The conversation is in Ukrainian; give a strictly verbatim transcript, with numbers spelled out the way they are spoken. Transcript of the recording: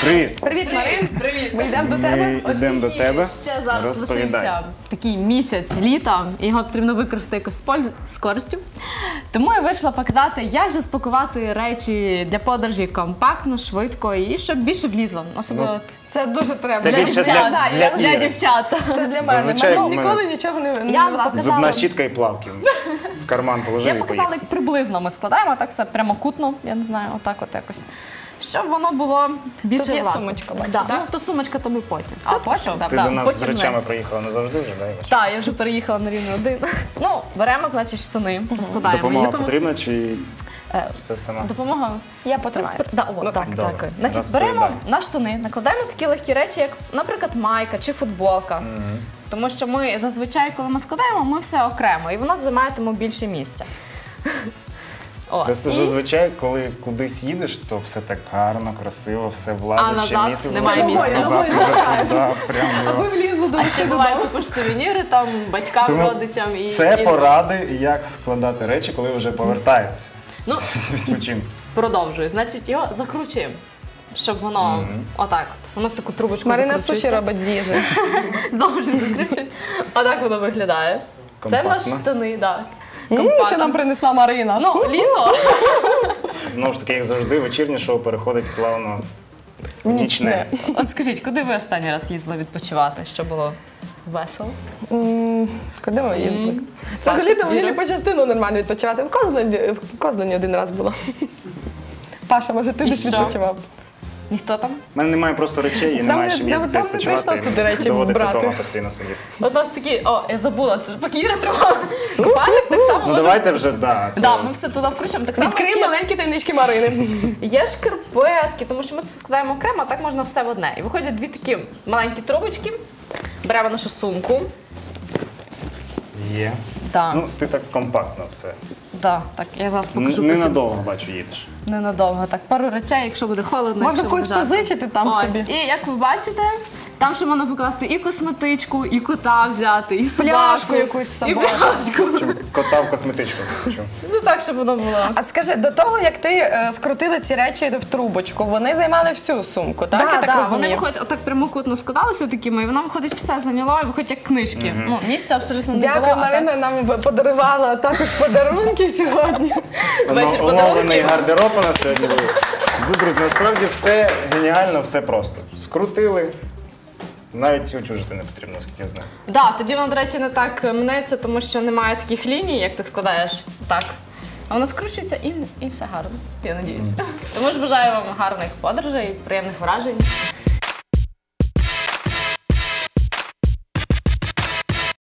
Привіт! Привіт, Марин. Привіт! Ми йдемо до тебе. Ми йдемо до тебе. Ще зараз Розповідай. лишився такий місяць літа, і його потрібно використати якось з польз- з користю. Тому я вирішила показати, як же спакувати речі для подорожі компактно, швидко і щоб більше влізло. Особливо Це дуже треба. Це Для більше дівчат. для, Да, для, я- для Іри. дівчат. Це для мене. Зазвичай Мене в мене- ніколи нічого не, не Я влазить. показала. Зубна щітка і плавки. В карман положив Я і показала, поїхав. як приблизно ми складаємо, так все прямокутно, я не знаю, отак от якось. Щоб воно було більше Тут є власне. сумочка, бачу, да. так? Ну, то сумочка, то ми потім. А, потім? Ти Да, до нас з потім ми. речами приїхала не завжди вже, да? Ігор? Так, я вже переїхала на рівень один. Ну, беремо, значить, штани, розкладаємо. Допомога І допом- потрібна чи Е, все сама? Допомога. Я потримаю. Да, о, так, Добре. дякую. Значить, Розповідай. беремо на штани, накладаємо такі легкі речі, як, наприклад, майка чи футболка. Тому що ми зазвичай, коли ми складаємо, ми все окремо, і воно займає тому більше місця. О, Просто і- зазвичай, коли кудись їдеш, то все так гарно, красиво, все влазить, А ще назад місце немає залишилось, місця. назад вже туди, прям А його. ви влізли до А ще буває, купиш сувеніри там батькам, Тому родичам і Це і поради, як складати речі, коли вже повертаєтеся Ну, з відпочинку. продовжую. Значить, його закручуємо, щоб воно отак, от, воно в таку трубочку Марина закручується. суші робить з їжі. Знову ж закручуємо. Отак воно виглядає. Це в нас Компактно. штани, так. М, Що нам принесла Марина? Ну, літо. Знову ж таки, як завжди, вечірнє шоу переходить плавно в нічне. От скажіть, куди ви останній раз їздили відпочивати? Що було весело? М, Куди ми їздили? Взагалі то мені не по частину нормально відпочивати. В Козлені, в Козлені один раз було. Паша, може ти І десь що? відпочивав? Ніхто там? У мене немає просто речей і Там немає не- чим там- їздити там не відпочивати. прийшлось туди речі Доводиться брати. вдома постійно сидіти. От у нас такі, о, я забула, це ж пакіра тримала. Купальник так само Ну може. давайте вже, да. Да, то- ми все туди включимо. Так само Відкрий є, маленькі таємнички Марини. є шкарпетки, тому що ми це складаємо окремо, а так можна все в одне. І виходять дві такі маленькі трубочки. Беремо нашу сумку. Є. Да, Ну, ти так компактно все. да, так, я зараз Н- покажу. потім. Ненадовго, бачу, їдеш. Ненадовго. Так, пару речей, якщо буде холодно. Можна якщо когось буде жарко. позичити там Ось. собі. І як ви бачите, там ще можна покласти і косметичку, і кота взяти, і собаку. Пляшку якусь з І собою. пляшку. Чим кота в косметичку. Чим? Ну так, щоб воно було. А скажи, до того, як ти е, скрутила ці речі в трубочку, вони займали всю сумку, так? Да, Я так да, розумію? вони виходять, отак прямокутно складалися такими, і воно виходить все зайняло, і виходять як книжки. Ну, місця абсолютно не було. Дякую, а так- Марина нам подарувала також подарунки сьогодні. Вечір Оно- Оновлений подарунків. гардероб у нас сьогодні був. Ну, друзі, насправді все геніально, все просто. Скрутили. Навіть утюжити не потрібно, наскільки я знаю. Да, тоді воно, до речі, не так мнеться, тому що немає таких ліній, як ти складаєш так. А воно скручується і, і все гарно, я надіюся. Тому ж бажаю вам гарних подорожей, приємних вражень.